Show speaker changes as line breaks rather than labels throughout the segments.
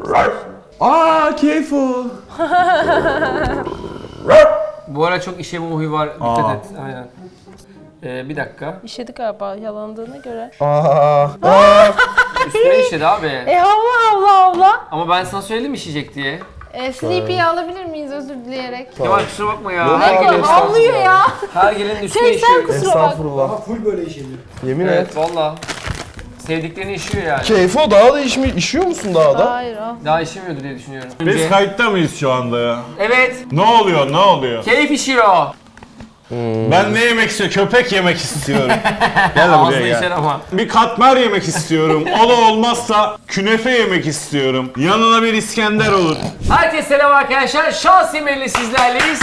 Aa Keyfo.
Bu ara çok işeme huyu var. Dikkat et. Aynen. Bir dakika.
İşedi galiba yalandığına göre.
Üstüne işedi abi.
Havla.
Ama ben sana söyledim işeyecek diye.
Sleepy'yi alabilir miyiz özür dileyerek?
Kemal kusura bakma ya.
Yok
Her
abi,
gelenin,
Havlıyor ya.
her gelenin üstüne
Sen
işiyor.
kusura bak.
Estağfurullah.
Full böyle işeniyor.
Yemin et.
Evet valla. Sevdiklerini işiyor yani.
Keyfo daha da işiyor musun daha da?
Hayır al.
Daha işemiyordu diye düşünüyorum.
Biz kayıtta mıyız şu anda ya?
Evet.
Ne oluyor, ne oluyor?
Keyif işiyor.
Ben ne yemek istiyorum? Köpek yemek istiyorum. Gel de
Ağzına
buraya
işer
gel.
ama.
Bir katmer yemek istiyorum. O da olmazsa künefe yemek istiyorum. Yanına bir İskender olur.
Herkese selam arkadaşlar. Şansimer'le sizlerleyiz.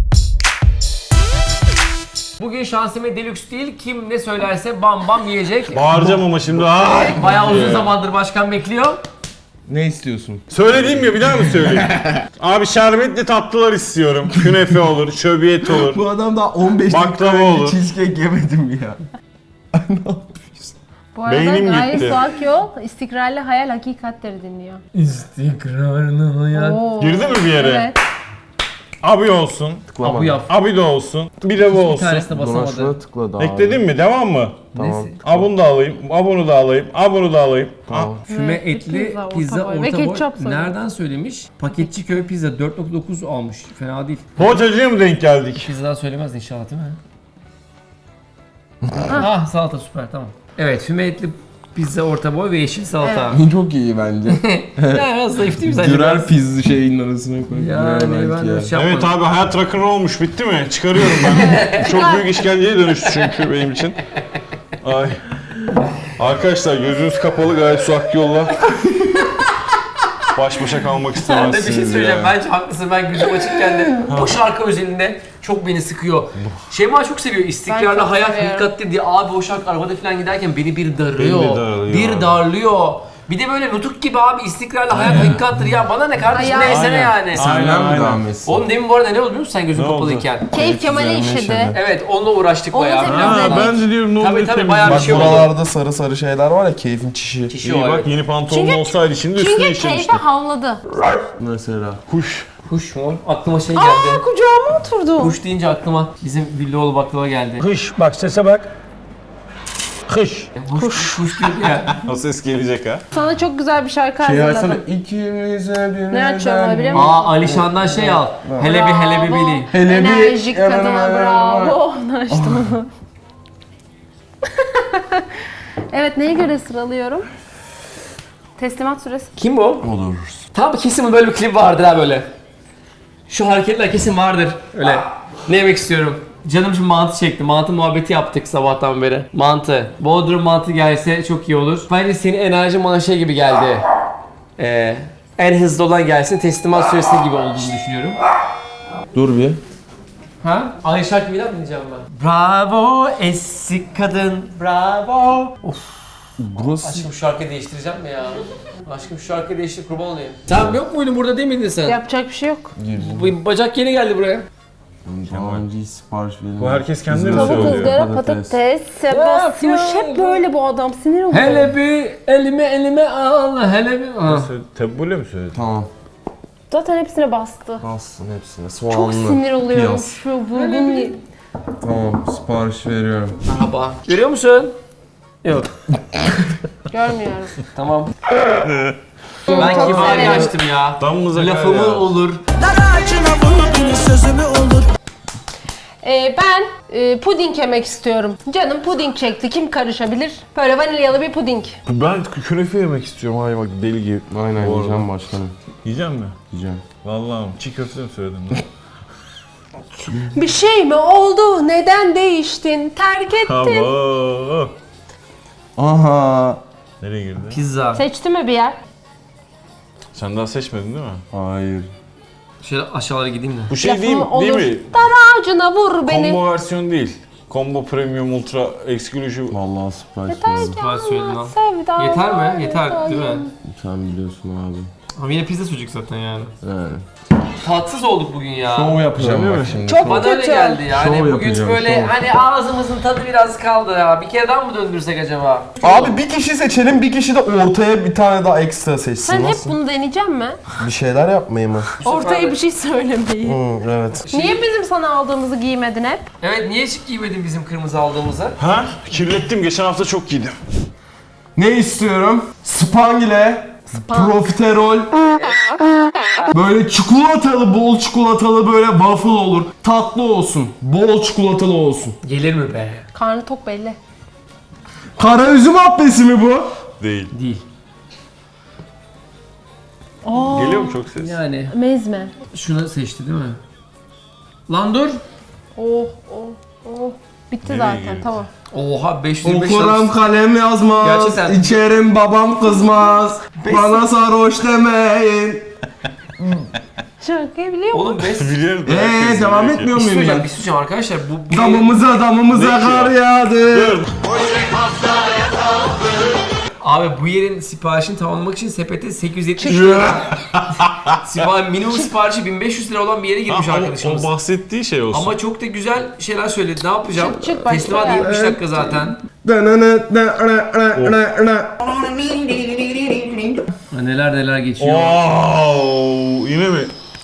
Bugün Şansimer Deluxe değil. Kim ne söylerse bam bam yiyecek.
Bağıracağım ama şimdi. Ay.
Bayağı uzun zamandır başkan bekliyor.
Ne istiyorsun?
Söylediğim ya bir daha mı söyleyeyim? Abi şerbetli tatlılar istiyorum. Künefe olur, şöbiyet olur.
Bu adam daha 15
Baklava
dakika önce
olur.
cheesecake yemedim ya.
Bu arada
Beynim
Gaye
gitti.
Suak Yol istikrarlı hayal hakikatleri dinliyor.
İstikrarlı hayat.
Oo.
Girdi mi bir yere?
Evet.
Abi olsun.
Abu yap.
Abi de olsun. Bir de bu
Bir
olsun.
tanesine basamadı.
Dolaşına tıkladı abi.
Ekledin mi? Devam mı?
Tamam.
Abunu da alayım, abunu da alayım, abunu da alayım.
Tamam.
Füme
Evet,
etli
pizza,
pizza
orta boy. Ve
orta boy.
ketçap söyle.
Nereden söylemiş? Paketçi köy pizza 4.9 almış. Fena değil.
Poğaçacıya mı denk geldik?
Pizzadan söylemez inşallah değil mi? Ah salata süper tamam. Evet füme etli pizza orta boy ve yeşil salata.
Çok iyi bence.
Ya biraz zayıf değil mi sence?
Dürer
Biraz?
pizza şeyinin arasına koy.
Yani ben öyle şey
Evet
yapmadım.
abi hayat rock'n'roll olmuş bitti mi? Çıkarıyorum ben. Çok büyük işkenceye dönüştü çünkü benim için. Ay. Arkadaşlar gözünüz kapalı gayet su yolla. Baş başa kalmak
Ben de bir şey
istemezsiniz
söyleyeceğim.
ya.
Bence haklısın. Ben gözüm açıkken de o şarkı özelinde çok beni sıkıyor. Şeyma çok seviyor.
Ben
İstikrarlı
çok
hayat
seviyorum.
hakikatli diye. Abi o şarkı arabada falan giderken beni bir darlıyor.
Beni de darlıyor
Bir
abi.
darlıyor. Bir de böyle nutuk gibi abi istikrarlı hayat hakikattir ya. Bana ne kardeşim
Aynen.
neysene yani.
Aynen.
Senden mi devam etsin?
Oğlum demin bu arada ne oldu biliyor musun sen gözün
Ne oldu?
kapalıyken?
Keyif Kemal'e
üzerine
işedi.
işedi.
Evet onunla uğraştık
Onu
bayağı.
seviyorum.
Ha, ben de diyorum ne
Tabii,
oluyor
tabii,
temiz.
bayağı bir
Bak
şey oldu.
buralarda sarı sarı şeyler var ya keyfin çişi.
Kişi
İyi
o
bak
evet.
yeni pantolon olsaydı şimdi üstüne
Çünkü
işemiştim.
keyfe havladı.
Mesela.
Kuş.
Kuş mu? Aklıma şey geldi.
Kucağıma oturdu.
Kuş deyince aklıma bizim Villioğlu baklava geldi.
Kış bak sese bak. Kış.
Kuş diyordu ya.
O ses gelecek ha.
Sana çok güzel bir şarkı
Şey
hazırladım.
açsana. İkimize bir
Ne açıyorum biliyor musun?
Aa Alişan'dan şey al. Hele bir hele bir bili.
Hele bir
Enerjik kadına bravo. Onu açtım onu. Evet neye göre sıralıyorum? Teslimat süresi.
Kim bu?
Olur.
Tam kesin böyle bir klip vardır ha böyle. Şu hareketler kesin vardır öyle. Ne yemek istiyorum? Canım şimdi mantı çekti. Mantı muhabbeti yaptık sabahtan beri. Mantı. Bodrum mantı gelse çok iyi olur. Bence senin enerjin bana şey gibi geldi. En hızlı olan gelsin teslimat süresi gibi olduğunu düşünüyorum.
Dur bir.
Ha? Aynı şarkı bir daha mı dinleyeceğim ben? Bravo eski kadın, bravo. Of.
Burası
Aşkım şu şarkıyı değiştireceğim mi ya? Aşkım şu şarkıyı değiştir kurban olayım. Sen yok muydun burada değil miydin sen?
Yapacak bir şey yok.
Bu bacak yeni geldi buraya.
daha önce sipariş verildi.
Bu herkes kendine mi
Tavuk
söylüyor?
ızgara
Patates.
patates. Basmış hep böyle bu adam sinir oluyor.
Hele bir elime al, hele bir... Ha.
Tebbule mi söyledin?
Tamam.
Zaten hepsine bastı.
Alsın hepsine. Soğanlı.
Çok sinir oluyorum
piyaz.
şu vurgun.
Tamam sipariş veriyorum.
Merhaba. Görüyor musun? Yok.
Görmüyorum.
Tamam. Ben kibari açtım ya.
Damımıza kar
Lafımı
ya.
olur.
Ben puding yemek istiyorum. Canım puding çekti. Kim karışabilir? Böyle vanilyalı bir puding.
Ben künefe yemek istiyorum. Ay bak deli gibi.
Aynen
Bu arada.
yiyeceğim başkanım.
Yiyecek mi?
Yiyeceğim.
Vallahi çiğ köfte mi söyledin lan?
Bir şey mi oldu? Neden değiştin? Terk ettin.
Hava.
Aha.
Nereye girdi?
Pizza.
Seçti mi bir yer?
Sen daha seçmedin değil mi?
Hayır.
Şöyle aşağılara gideyim de.
Bu şey
Lafım
değil,
olur.
değil mi?
Dar ağacına vur beni.
Combo versiyon değil. Combo Premium Ultra Exclusive.
Vallahi sipariş
Yeter
veriyorum.
ki
Süper söyledin lan.
sevda.
Yeter mi? Yeter değil mi?
Sen biliyorsun abi.
Ama yine pizza sucuk zaten yani.
Yani.
tatsız olduk bugün ya.
Şov yapacağım
Öyle
bak
mi?
şimdi.
Çok
Bana öyle
kötü.
geldi yani.
Şov
Bugün
yapacağım,
böyle
şov.
hani ağzımızın tadı biraz kaldı ya. Bir kere daha mı döndürsek acaba?
Abi bir kişi seçelim, bir kişi de ortaya bir tane daha ekstra seçsin.
Sen hep
Nasıl?
bunu deneyecek mi?
Bir şeyler yapmayı mı?
Ortaya bir şey söylemeyi.
Evet.
Niye bizim sana aldığımızı giymedin hep?
Evet, niye hiç giymedin bizim kırmızı aldığımızı?
Ha? Kirlettim. Geçen hafta çok giydim.
Ne istiyorum? Spangile, profiterol, böyle çikolatalı, bol çikolatalı böyle waffle olur. Tatlı olsun, bol çikolatalı olsun.
Gelir mi be?
Karnı tok belli.
Kara üzüm abbesi mi bu?
Değil.
Değil.
Geliyor mu çok ses?
Yani
Mezme.
şunu seçti değil mi? Lan dur.
Oh oh oh. Bitti
Nereye
zaten
gidiyor?
tamam.
Oha 525
Okuram kalem yazmaz,
Gerçekten.
içerim babam kızmaz, bana sarhoş demeyin.
Şarkıyı biliyor musun?
Oğlum 5
Biliyorum.
Devam etmiyor
Bir şey
muyum
söyleyeceğim,
ben?
bir şey söyleyeceğim arkadaşlar. Bu
Damımıza
Ne
kar
ki
yağdı.
Dur.
Abi bu yerin siparişini tamamlamak için sepete 870 lira. Minimum siparişi 1500 lira olan bir yere girmiş arkadaşımız.
O bahsettiği şey olsun.
Ama çok da güzel şeyler söyledi. Ne yapacağım?
Çık, başka
Teslimat
yer.
70 dakika zaten. Neler neler geçiyor.
Wow, yine mi?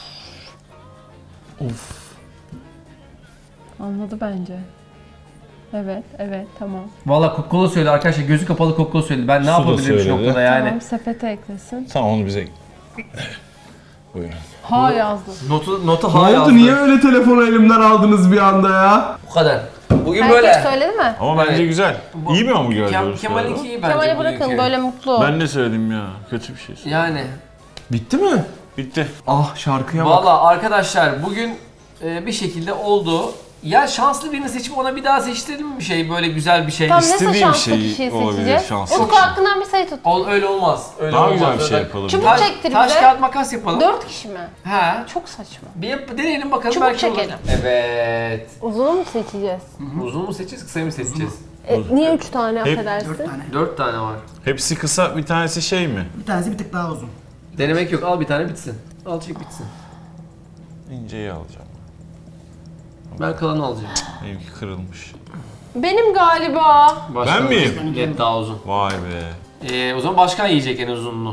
Anladı bence. Evet, evet, tamam.
Valla Coca-Cola söyledi arkadaşlar. Gözü kapalı Coca-Cola söyledi. Ben ne
Su da
yapabilirim şu
söyledi.
noktada yani?
Tamam, sepete eklesin.
Tamam onu bize... Buyurun.
Ha yazdı.
Notu
Ne
hala
oldu? Niye öyle telefonu elimden aldınız bir anda ya?
Bu kadar. Bugün
Herkes
böyle.
söyledi mi?
Ama bence
Evet.
güzel. İyi bir hamburger doğrusu.
Kemal'inki iyi bence.
Kemal'e bırakın
bugünkü.
böyle mutlu.
Ben ne söyledim ya? Kötü bir şey.
Yani.
Bitti mi?
Bitti.
Ah şarkıya bak.
Valla arkadaşlar bugün bir şekilde oldu. Ya şanslı birini seçip ona bir daha seçtirelim mi bir şey böyle güzel bir şey?
Tamam, nasıl
İstediğim
şanslı
şey
kişiyi
olabilir,
seçeceğiz?
şanslı
Utku hakkından bir sayı tut.
Öyle olmaz. Öyle
Daha
olmaz.
güzel bir şey
Öyle-
yapalım.
Çubuk
Taş,
çektir
taş
bize.
kağıt makas yapalım.
4 kişi mi?
He.
Çok saçma.
Bir deneyelim bakalım
Çubuk
belki olur.
çekelim.
Evet.
Uzun mu seçeceğiz?
Uzun mu seçeceğiz, kısa mı seçeceğiz?
Niye 3 tane
Hep-
affedersin?
4 tane var.
Hepsi kısa, bir tanesi şey mi?
Bir tanesi bir tık daha uzun.
Denemek yok. Al bir tane bitsin. Al çek bitsin.
İnceyi alacağım.
Ben kalanı alacağım.
Benimki kırılmış.
Benim galiba.
Başkan
Ben miyim?
olsun. Evet, daha uzun.
Vay be.
O zaman başkan yiyecek en uzunluğu.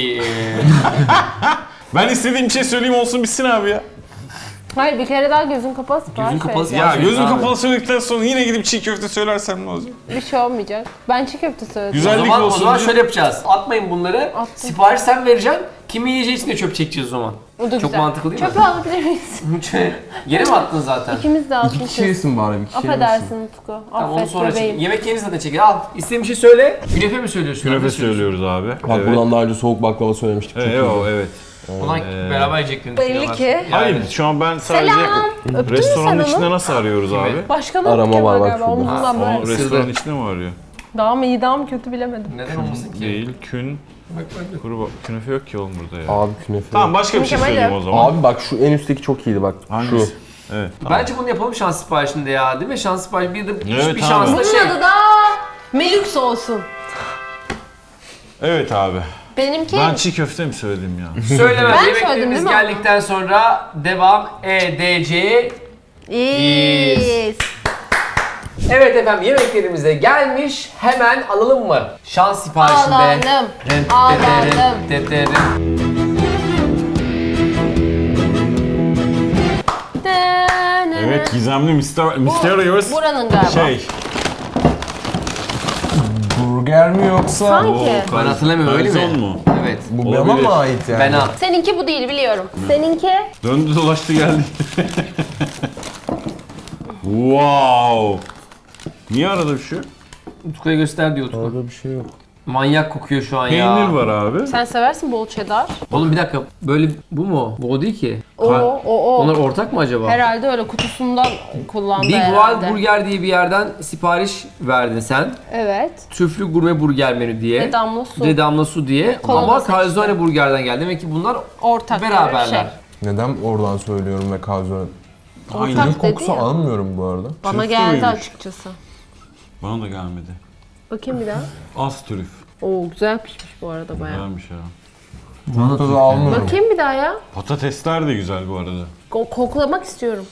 Ben istediğim şey söyleyeyim olsun bitsin abi ya.
Hayır, bir kere daha gözün kapalı sipariş
Gözün kapalı
vereceğim.
Ya
Söyle
gözüm
abi.
kapalı söyledikten sonra yine gidip çiğ köfte söylersem ne olacak?
Bir şey olmayacak. Ben çiğ köfte söyledim.
Güzel.
o
olsun
zaman
diye-
şöyle yapacağız. Atmayın bunları.
Attım.
Sipariş sen vereceksin. Kimi yiyeceği için de çöp çekeceğiz o zaman.
O da
Çok
güzel.
mantıklı değil mi?
Çöpe alabilir miyiz?
Yere mi attın zaten?
İkimiz de
İki kişi
atmışız.
yesin bari, bir kişi yemesin.
Affedersin Utku.
Tamam onu
Affet
sonra çek.
bebeğim.
Yemek yeni zaten çeker. Al. İstediğin bir şey söyle. Künefe mi söylüyorsun?
Künefe
Ne söylüyorsun?
söylüyoruz abi.
Bak buradan daha önce soğuk baklava söylemiştik. Çok
Evet,
iyiydi.
evet.
Ulan beraber yiyeceklerini
Belli
düşünüyorlar.
ki.
Yani.
Hayır, şu an ben sadece
Selam. Öptün mü
restoranın
sen
içinde
onu?
nasıl arıyoruz abi?
Başkanım
Arama
Kemal
var bak
galiba.
şurada.
Omuzundan
O
böyle.
restoranın içinde mi arıyor?
Daha mı iyi daha mı kötü bilemedim.
Neden olmasın ki?
Değil,
Bak bak.
kuru künefe yok ki oğlum burada ya.
Abi künefe.
Tamam başka bir şey
Kemal
söyleyeyim
yap.
o zaman.
Abi bak şu en üstteki çok iyiydi bak.
Hangisi? Evet.
Bence bunu yapalım şans siparişinde ya. Değil mi? Şans siparişi bir de
Evet
bir
abi.
şansla
Bunun
şey.
adı da Melüks olsun.
Evet abi.
Benimki
Ben çiğ köfte mi söyledim ya?
Söylemem.
Ben söyledim
Yemeklerimiz
değil mi?
geldikten sonra devam edeceğiz.
İyiyiz.
Evet efendim yemeklerimiz de gelmiş. Hemen alalım mı? Şans siparişinde.
Alalım.
Rem,
Alalım.
teterim.
Evet, gizemli Mysterious
Buranın galiba.
şey.
Burger mi yoksa?
Sanki.
Ben hatırlamıyorum öyle mi?
Garzon mu?
Evet.
Bu
Olabilir.
bana mı ait yani?
Ben al.
Seninki bu değil biliyorum. Seninki
Döndü dolaştı geldi. Wow. Niye arada bir şey?
Utku'ya göster diyor Utku.
Orada bir şey yok.
Manyak kokuyor şu an ya.
Peynir var abi.
sen seversin bol cheddar.
Oğlum bir dakika. Böyle bu mu? Bu o değil ki.
O.
Onlar ortak mı acaba?
Herhalde öyle kutusundan kullandı
Big
herhalde.
Wild Burger diye bir yerden sipariş verdin sen.
Evet.
Tüflü gurme burger menü diye.
Ve damla su.
Ve damla su diye.
Kola
Ama
da seçti.
Calzone Burger'den geldi. Demek ki bunlar
Ortak
beraberler.
bir şey.
Neden oradan söylüyorum ve kalzone?
Ortak
Trüf
dedi
kokusu
ya.
almıyorum bu arada.
Bana
Trüflü
geldi
müymüş?
açıkçası.
Bana da gelmedi.
Bakayım bir daha.
Az trüf.
Oo güzel pişmiş bu arada bayağı.
Güzelmiş ya.
Tadı almıyorum.
Bakayım bir daha ya.
Patatesler de güzel bu arada.
Koklamak istiyorum.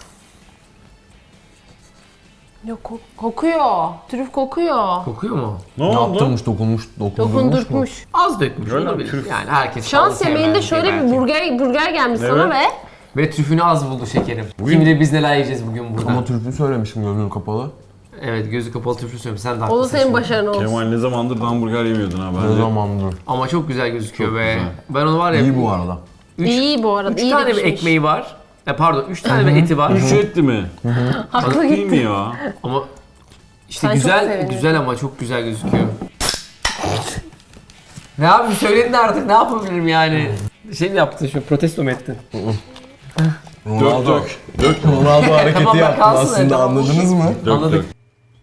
Yok kokuyor. Trüf kokuyor.
Kokuyor mu?
Ne oldu?
Yaptırmış, dokunmuş mu?
Dokundurtmuş.
Az dökmüş
Öyle
olabilir.
trüf.
Yani herkes
Şans
fazla
yemeğinde
sevmez
şöyle bir
belki.
burger gelmiş sana ve
Ve trüfünü az buldu şekerim.
Bugün-
Kim bilir biz neler yiyeceğiz bugün burada.
Ama türlü söylemişim gözüm kapalı.
Evet, gözü kapalı trüflü söylüyorum. Sen de
o da
haklısın.
senin
şimdi.
başarın olsun.
Kemal ne zamandır hamburger yemiyordun ha
Ne
bence.
zamandır.
Ama çok güzel gözüküyor
Çok
be.
güzel.
Ben onu var ya...
İyi bu arada.
İyi bu arada.
3
iyi
tane
de
bir
pişmiş.
ekmeği var. Pardon 3 tane bir eti var.
Üç etli mi?
Haklı
Değil mi
gitti.
ya?
Ama işte
Sen çok
güzel
sevindin.
güzel ama çok güzel gözüküyor. Ne yapayım söyledin artık ne yapabilirim yani? Şey mi yaptın şu protesto mu ettin?
Dök dök. Dök.
Ronaldo hareketi
Tamam,
yaptın
kalsın
aslında,
öyle, tamam.
anladınız mı?
Dök
Anladık.
dök.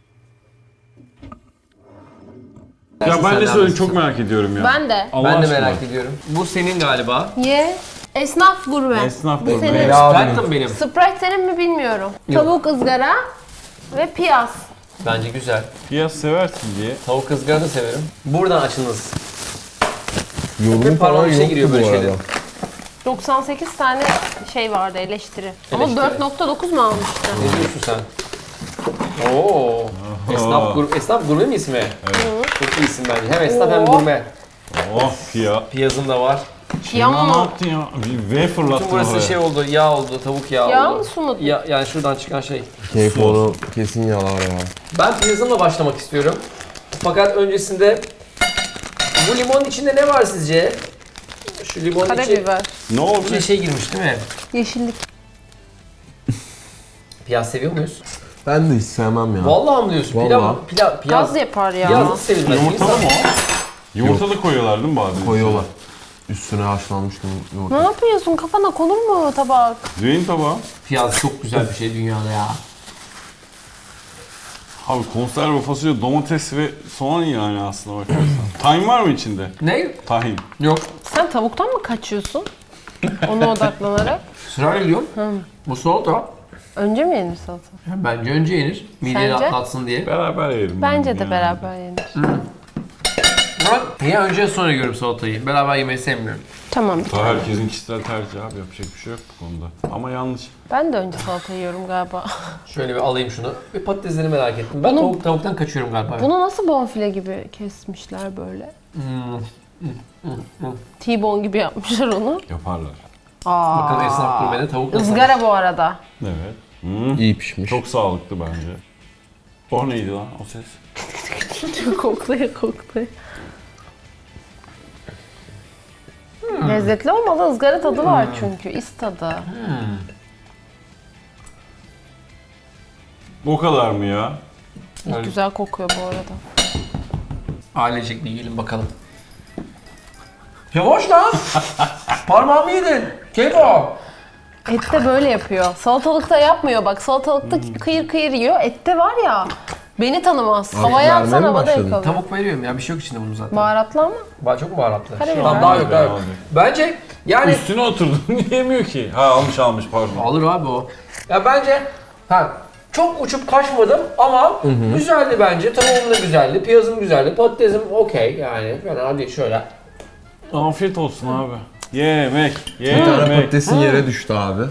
Ya ben de söyleyeyim çok merak ediyorum ya.
Ben de.
Allah
Ben de
aşkına.
merak ediyorum. Bu senin galiba.
Ye. Esnaf gurme.
Esnaf
Bu
gurme.
senin.
Ya.
Sprite da mı benim?
Sprite senin mi bilmiyorum.
Yok.
Tavuk ızgara ve piyaz.
Bence güzel.
Piyaz seversin diye.
Tavuk ızgara da severim. Buradan açınız.
Yorum
Hep parmağım
falan
işe
yoktu
giriyor
bu
böyle
arada.
şeyler.
98 tane şey vardı eleştiri. Ama
Eleştiri.
4.9 mu almıştı?
Ne diyorsun sen? Oo. Esnaf gurme mi ismi? Evet. Çok iyi isim bence. Hem esnaf hem
Oo.
gurme.
Oh piyaz.
Piyazım da var.
Yağ
Ne
mı?
yaptın ya? Bir V fırlattın
Bütün burası
oraya.
şey oldu, yağ oldu, tavuk yağı
Yağ
oldu.
mı, su mu?
Ya, yani şuradan çıkan şey.
Keyif onu kesin yalar ya.
Ben piyazımla başlamak istiyorum. Fakat öncesinde bu limonun içinde ne var sizce? Şu limonun içi
Karabiber.
Ne oldu?
içine şey girmiş değil mi?
Yeşillik.
Piyaz seviyor muyuz?
Ben de hiç sevmem ya.
Vallahi mı diyorsun?
Vallahi.
Piyaz
Gaz yapar ya.
Piyaz nasıl sevilmez?
Yumurtalı
İnsan-
mı o? Yumurtalı koyuyorlar değil mi bazen?
Koyuyorlar. Üstüne haşlanmış
Ne
yoğurt.
yapıyorsun? Kafana konur mu tabak?
Düğün tabağı.
Piyaz çok güzel bir şey dünyada ya.
Abi konserve fasulye, domates ve soğan yani aslında bakarsan. Tahin var mı içinde?
Ne?
Tahin.
Yok.
Sen tavuktan mı kaçıyorsun? Ona odaklanarak.
Sırayla gidiyorum. Bu salata.
Önce mi yenir salata?
Bence önce yenir. Mideyi
Sence?
rahatlatsın diye.
Beraber yiyelim.
Bence de
yani.
beraber yenir.
Ben niye önce sonra yiyorum salatayı? Beraber yemeyi sevmiyorum.
Tamam.
Daha herkesin kişisel tercihi abi, yapacak bir şey yok bu konuda. Ama yanlış.
Ben de önce salata yiyorum galiba.
Şöyle bir alayım şunu. Bir patatesleri merak ettim. Ben tavuktan kaçıyorum galiba.
Bunu nasıl bonfile gibi kesmişler böyle? T-bone gibi yapmışlar onu.
Yaparlar.
Bakın esnaf gurmede tavuk nasıl?
Izgara bu arada.
Evet.
İyi pişmiş.
Çok sağlıklı bence. O neydi lan o ses?
koklaya koklaya. Lezzetli olmalı. Izgara tadı var çünkü. İs tadı.
O kadar mı ya?
Evet.
Güzel kokuyor bu arada.
Ailecek bir yiyelim bakalım. Yavaş lan! Parmağımı yedin. Keko.
Et de böyle yapıyor. Salatalıkta yapmıyor bak. Salatalıkta kıyır kıyır yiyor. Ette var ya. Beni tanımaz. Havaya
vermeye
atsan
mi
havada
başladın?
yakalar.
Tavuk veriyorum ya bir şey yok içinde bunun zaten.
Baharatlı ama.
Çok mu baharatlı?
Karabiber.
Tamam, daha yok daha yok.
Abi.
Bence yani
Üstüne oturdun yemiyor ki. Ha almış pardon.
alır abi o. Ya bence çok uçup kaçmadım ama güzeldi bence. Tavuğum da güzeldi, piyazım güzeldi, patatesim okey yani. Fena değil şöyle.
Afiyet olsun abi. Yemek.
Bir tane
Yemek.
patatesin yere düştü abi.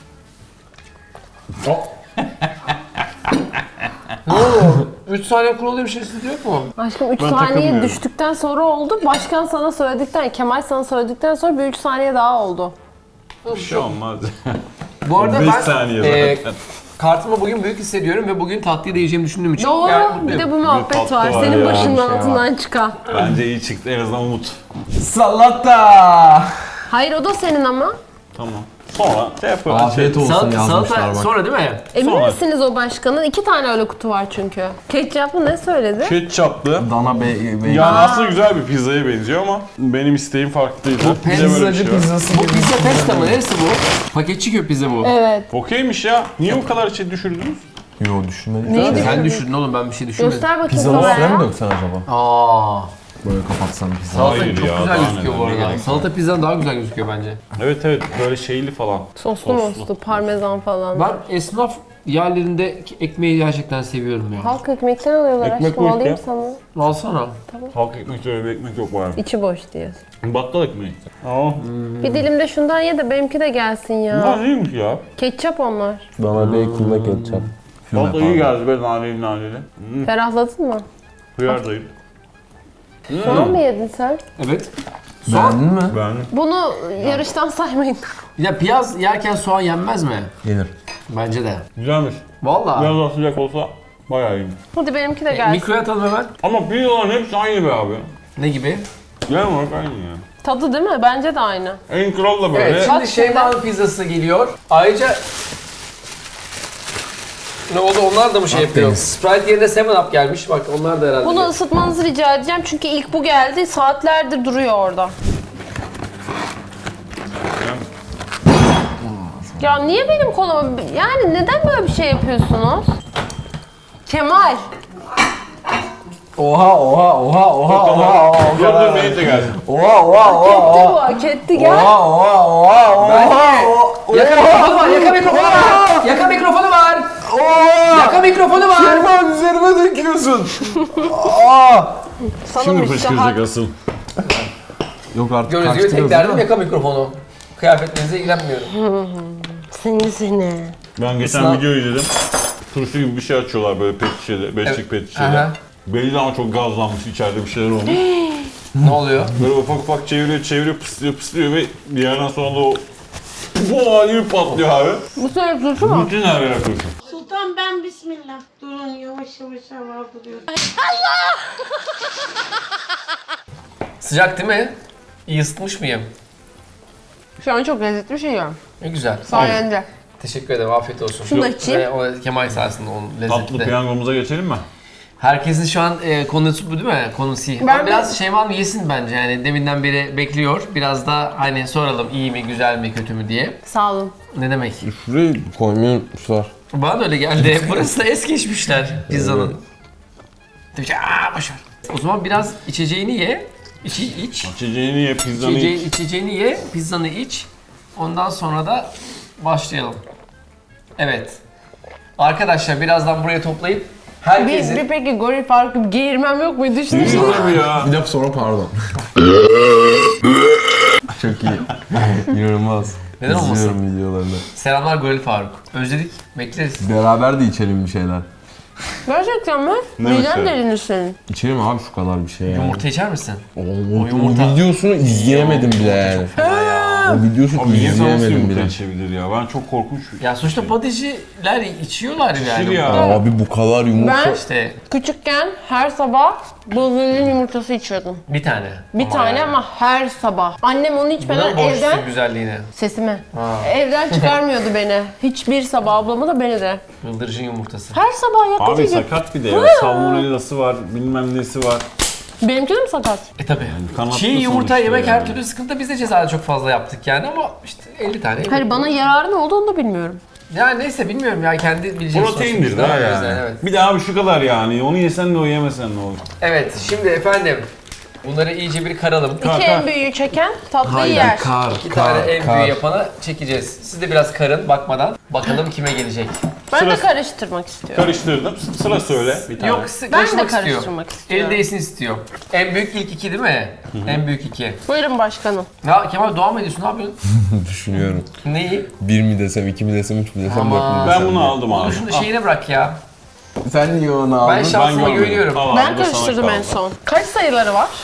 Ne oldu? 3 saniye kuralı bir şey sizde yok mu?
Aşkım 3
Ben
saniye
takılmıyorum.
düştükten sonra oldu. Başkan sana söyledikten, Kemal sana söyledikten sonra bir 3 saniye daha oldu.
Bir şey olmaz.
Bu arada
5
ben
saniye zaten.
kartımı bugün büyük hissediyorum ve bugün tatlıyı da yiyeceğimi düşündüğüm için
Doğru.
yani
Bir
mutluyum.
de bu muhabbet
tatlı
var.
var
Senin
ya,
başının
bir şey var.
altından çıkan.
Bence iyi çıktı en azından umut.
Salata!
Hayır o da senin ama.
Tamam. Sonra şey yapalım.
Afiyet olsun yazmışlar
Salata
bak.
sonra değil mi?
Emin
Sonra.
misiniz o başkanın? 2 tane öyle kutu var çünkü. Ketçaplı ne söyledi?
Ketçaplı.
Dana
Yani aslında güzel bir pizzaya benziyor ama benim isteğim farklıydı. Bir de böyle bir
Pizzacı
şey var.
pizzası
Bu
gibi.
pizza testa mı? Neresi bu? Paketçi köy pizza bu.
Evet.
Okeymiş ya. Niye bu kadar şey düşürdünüz?
Yo düşünmedik.
Neyi
Zaten.
Sen düşürdün oğlum ben bir şey düşünmedim.
Göster bakayım
Pizzanın
kameraya.
üstüne mi döksen acaba?
Aa.
Böyle kapatsan pizza.
Salata
Hayır
çok
ya,
güzel
daha
gözüküyor bu
neler, ne
arada.
gerek var?
Salata pizzan daha güzel gözüküyor bence.
Evet böyle şeyli falan.
Soslu moslu, parmesan falan.
Ben esnaf Yerlerinde ekmeği gerçekten seviyorum ya.
Halk ekmekten alıyorlar
Ekmek
aşkım,
bu işte.
alayım sana.
Alsana.
Halk ekmekte öyle bir ekmek yok var.
İçi boş diyorsun.
Bakkal ekmeği. Aa.
Bir dilim de şundan ye de benimki de gelsin
Bunlar
ya.
iyiymiş ya.
Ketçap onlar.
Bana bacon'la ketçap.
Valla iyi geldi be naneli naneli.
Ferahladın mı?
Hıyardayım.
Soğan mı yedin sen?
Evet.
Beğendin mi?
Beğendim.
Bunu yarıştan saymayın.
Ya piyaz yerken soğan yenmez mi?
Yenir.
Bence de.
Güzelmiş.
Vallahi.
Biraz daha sıcak olsa bayağı iyiymiş.
Hadi benimki de gelsin.
Mikroya atalım hemen.
Ama pizzaların hepsi aynı be abi.
Ne gibi?
Genel olarak aynı ya.
Tadı değil mi? Bence de aynı.
En kral da böyle.
Evet, şimdi
Bak
Şeyma'nın pizzası geliyor. Ayrıca ne oldu? Onlar da mı şey yapıyor?
Akdeniz.
Sprite yerine 7-Up gelmiş. Bak onlar da herhalde.
Bunu ısıtmanızı rica edeceğim çünkü ilk bu geldi. Saatlerdir duruyor orada. Ya niye benim koluma... Yani neden böyle bir şey yapıyorsunuz? Kemal.
Oha.
Dur dur benim de gelsin.
Oha.
Hak etti bu, hak etti. Gel.
Yaka mikrofonu var, yaka mikrofonu var. Yaka mikrofonu var. Yaka mikrofonu var.
Şeyma üzerime döküyorsun.
Sana
Şimdi
müstahak.
fışkıracak asıl.
Yok artık
Gördüğünüz gibi tek derdim yaka mikrofonu. Kıyafetlerinize ilgilenmiyorum.
Seni.
Ben geçen
Sınav-
video izledim. Turşu gibi bir şey açıyorlar böyle pet şişede, beşlik pet şişede.
Aha.
Belli ama çok gazlanmış, içeride bir şeyler olmuş.
Ne oluyor?
Böyle ufak çeviriyor, pıslıyor ve bir yerden sonra da o bu hali patlıyor abi.
Bu sefer turşu mu?
Bütün her yere turşu.
Sultan ben bismillah. Durun yavaş yavaş hava duruyor.
Sıcak değil mi? İyi ısıtmış mıyım?
Şu an çok lezzetli bir şey yiyorum.
Ne güzel.
Sayende.
Teşekkür ederim. Afiyet olsun.
Şunu da içeyim.
Ve o Kemal sayesinde onun
Tatlı
lezzetli.
piyangomuza geçelim mi?
Herkesin şu an konusu bu değil mi? Konusu.
Ben
biraz Şeyma mı yesin bence yani deminden beri bekliyor. Biraz da hani soralım iyi mi, güzel mi, kötü mü diye.
Sağ olun.
Ne demek?
Şurayı koymayı unutmuşlar.
Bana da öyle geldi. Burası da es geçmişler pizzanın. Boşver. O zaman biraz içeceğini ye. İç.
İçeceğini ye, pizzanı iç.
İçeceğini ye, pizzanı iç. Ondan sonra da başlayalım. Evet. Arkadaşlar birazdan buraya toplayıp herkesin...
Bir peki goril farkı geğirmem yok mu? Düşünün.
Tabii ya.
Bir dakika sonra pardon. Çok iyi. İnanılmaz.
Neden olmasın?
İzliyorum videolarını.
Selamlar Goril Faruk. Özledik. Bekleriz.
Beraber de içelim bir şeyler.
Gerçekten mi?
Ne
Miden
mesela?
delinir senin.
İçelim abi şu kadar bir şey yani.
Yumurta içer misin?
O
yumurta-
videosunu izleyemedim bile yani. O videosunu
Abi niye nasıl
izleyemedim
yumurta
bile.
içebilir ya? Ben çok korkunç.
Ya sonuçta paticiler içiyorlar yani.
ya.
Abi bu kadar yumurta.
Ben
İşte
küçükken her sabah buzluğun yumurtası içiyordum.
bir tane.
Bir tane
yani.
ama her sabah. Annem onu içmeden
Buna borçlusun
evden...
güzelliğine.
Sesime.
Ha.
Evden çıkarmıyordu beni. Hiçbir sabah ablamı da beni de.
Bıldırcın yumurtası.
Her sabah
Abi
yakıcı gibi.
sakat bir de ya. Salmonellası var, bilmem nesi var.
Benimki de mi sakat?
Tabii.
kanatlı
Çiğ yumurta
sonuçta
yemek
yani.
her türlü sıkıntı. Biz de cezada çok fazla yaptık yani ama işte 50 tane. yemek.
Hayır bana yararı ne oldu onu da bilmiyorum.
Yani neyse bilmiyorum ya kendi bileceğimiz
Proteindir
sonuçta.
daha
O
yani.
yüzden, Evet.
Bir de abi şu kadar yani. Onu yesen de o yemesen ne olur.
Evet şimdi efendim bunları iyice bir karalım.
İki en büyüğü çeken tatlıyı yer.
İki tane en büyüğü yapana çekeceğiz. Siz de biraz karın bakmadan. Bakalım kime gelecek.
Ben de
Sırası-
karıştırmak istiyorum.
Karıştırdım. Sıra söyle bir tane.
Yok
Ben de
karıştırmak istiyor.
karıştırmak istiyorum.
El değsin istiyor. En büyük ilk iki değil mi? En büyük iki.
Buyurun başkanım.
Ya Kemal dua mı ediyorsun? Ne yapıyorsun?
Düşünüyorum.
Neyi?
1 mi desem, 2 mi desem, 3 mü desem, 4 mü
Aman.
desem.
Ben bunu
diye.
aldım abi.
Onu şunu şeyine bırak ya.
Sen niye onu aldın?
Ben şansıma
görmedim.
güveniyorum.
Al abi,
Ben
bu da sana
karıştırdım en
kaldı.
son. Kaç sayıları var?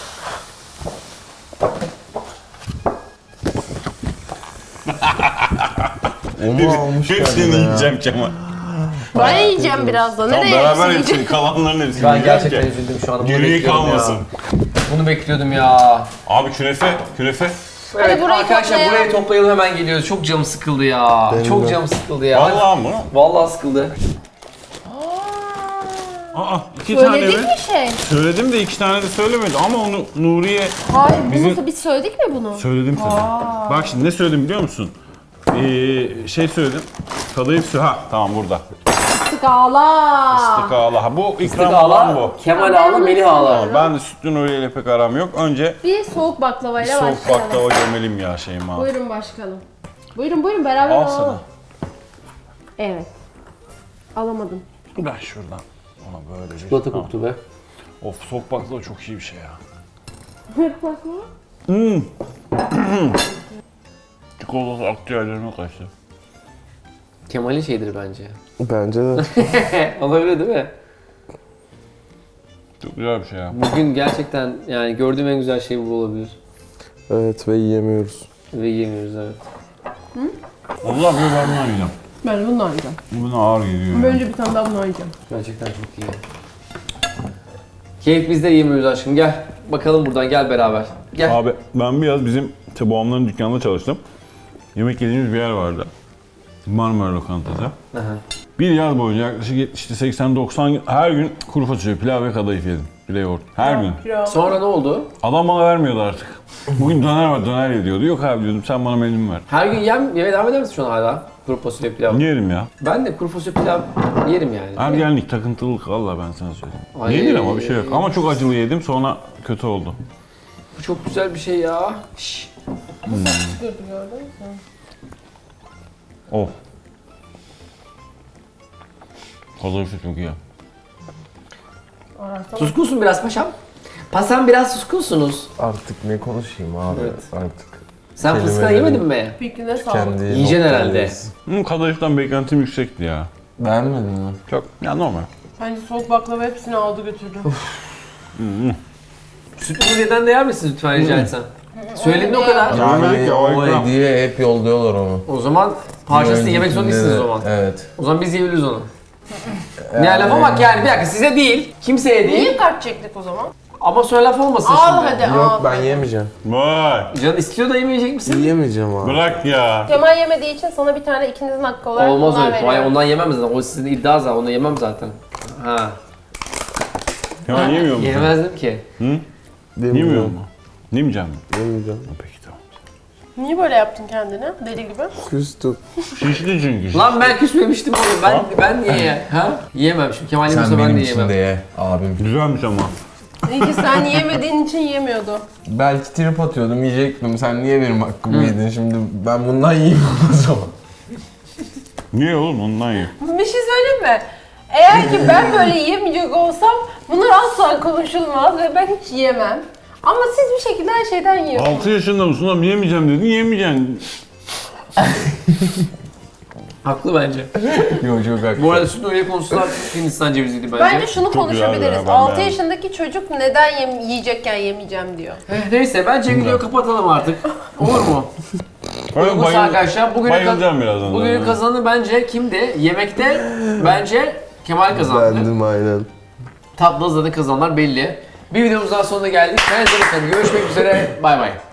Onu almış
Hepsini
kendine ya.
yiyeceğim Kemal.
Ben yiyeceğim birazdan.
Tamam
Nereye
beraber
hepsini
hepsini,
yiyeceğim?
kalanların hepsini
Ben
yiyeceğim
gerçekten
ki.
üzüldüm şu an. Bunu
Geriye
bekliyordum
kalmasın.
ya. Bunu bekliyordum ya.
Abi künefe.
Evet
burayı
arkadaşlar
toplayalım.
burayı toplayalım hemen geliyoruz. Çok canım sıkıldı ya.
Benim
Çok
de.
canım sıkıldı ya.
Vallahi mı?
Vallahi sıkıldı.
Aa, 2 tane
Söyledik
mi?
mi şey?
Söyledim de 2 tane de söylemedi ama onu Nuriye
Hayır,
Bizim-
biz söyledik mi bunu?
söyledim tabii. Bak şimdi ne söyledim biliyor musun? Şey söyledim. Kadayıf su. Ha tamam burada.
Skala.
Istık ağla. Ha, bu ikram
Sık
olan
ağla,
bu.
Kemal ağla, Melih ağla.
Tamam, ben de sütlü Nuriye ile pek aram yok. Önce
Bir soğuk baklavayla
soğuk
başlayalım.
baklava gömelim ya Şeyma.
Buyurun başkanım. Buyurun beraber
Al
alalım.
sana.
Evet. Alamadım.
Ben şuradan ona böyle bir...
Çikolata koktu be.
Of, soğuk baklava çok iyi bir şey ya. Çikolata akciğerlerime kaçtı.
Kemal'in şeydir bence.
Bence de.
Olabilir değil mi?
Çok güzel bir şey ya.
Bugün gerçekten yani gördüğüm en güzel şey bu olabilir.
Evet ve yiyemiyoruz.
Ve yiyemiyoruz evet.
Allah bir ben bunu yiyeceğim.
Ben bundan yiyeceğim.
Buna ağır geliyor ya.
Önce bir tane daha bundan yiyeceğim.
Gerçekten çok iyi. Keyif bizde yiyemiyoruz aşkım gel. Bakalım buradan gel beraber. Gel.
Abi ben biraz bizim babamların dükkanında çalıştım. Yemek yediğimiz bir yer vardı. Marmara Lokantası.
Aha.
Bir yaz boyunca yaklaşık işte 80-90 gün her gün kuru fasulye, pilav ve kadayıf yedim. Bir de yoğurt. Her gün.
Sonra ne oldu?
Adam bana vermiyordu artık. Bugün döner var, döner ye diyordu. Yok abi diyordum, sen bana menümü ver.
Her gün yemeye devam eder misin şu an hala? Kuru fasulye pilav.
Yerim ya.
Ben de kuru fasulye pilav yerim yani.
Ergenlik, takıntılılık valla ben sana söyleyeyim.
Ay.
Yenir ama bir şey yok. Ama çok acılı yedim, sonra kötü oldu.
Bu çok güzel bir şey ya. Şşş.
Of. Kadayıf çok iyi.
Suskunsun biraz paşam. Paşam biraz suskunsunuz.
Artık ne konuşayım abi
Evet.
artık.
Sen
Kelimelerin-
fıstığa yemedin mi?
Fikrine sağlık.
Kendi
Yiyeceksin herhalde.
noktadayız.
Kadayıftan beklentim yüksekti ya.
Beğenmedin mi?
Çok, ya normal.
Bence soğuk baklava hepsini aldı götürdü.
Sütlü Nuriye'den de yer misiniz lütfen rica etsem? Söyledin o kadar.
Yani
Yani o
ikram.
hediye hep yolluyorlar onu.
O zaman parçasını yemek zorunda
Öncekinde
değilsiniz
de-
o zaman.
Evet.
O zaman biz yiyebiliriz onu. Ne lafa bak yani bir dakika size değil, kimseye değil.
Niye kart çektik o zaman?
Ama sonra laf olmasın
Al
şimdi.
hadi
Yok
al.
ben yemeyeceğim.
Vay.
Can istiyor da yemeyecek misin?
Yemeyeceğim abi.
Bırak ya.
Kemal yemediği için sana bir tane ikinizin hakkı olarak
Olmaz
bundan
öyle. Hayır
veriyorum.
ondan yemem zaten. O sizin iddia zaten. Onu yemem zaten. Ha.
Ya yemiyor musun?
Yemezdim ki.
Yemiyor mu? Yemeyeceğim mi?
Yemeyeceğim.
Peki tamam.
Niye böyle yaptın kendine? Deli gibi.
Küstüm.
Şişti çünkü.
Lan ben küsmemiştim oğlum. Ben niye ya? Ha? Yiyemem şimdi. Kemal
Sen
yemiyorsa ben
benim
de
için
yiyemem.
de ye abim.
Güzelmiş ama.
İyi ki sen yemediğin için yemiyordu.
Belki trip atıyordum yiyecektim. Sen niye benim hakkımı yedin şimdi? Ben bundan yiyeyim o zaman.
Niye oğlum ondan ye.
Bir şey söyleyeyim mi? Eğer ki ben böyle yemeyecek olsam bunlar asla konuşulmaz ve ben hiç yemem. Ama siz bir şekilde her şeyden yiyorsunuz.
6 yaşında mısın oğlum yemeyeceğim dedin yemeyeceksin.
Haklı bence.
Yok çok haklı.
Bu arada süt Nuriye konusu da Hindistan ceviziydi bence.
Bence şunu
Çok güzel
konuşabiliriz.
ya, ben
6
beğendim.
yaşındaki çocuk neden yiyecekken yemeyeceğim diyor.
Neyse bence videoyu kapatalım artık. Olur mu?
Öyle
Uygunsa arkadaşlar
bayılacağım birazdan.
bugünün
zaten.
kazananı bence kimdi? Yemekte bence Kemal kazandı.
Bendim aynen.
Tatlı zaten kazananlar belli. Bir videomuz daha sonuna geldik. Kendinize bakın. Görüşmek üzere. Bay bay.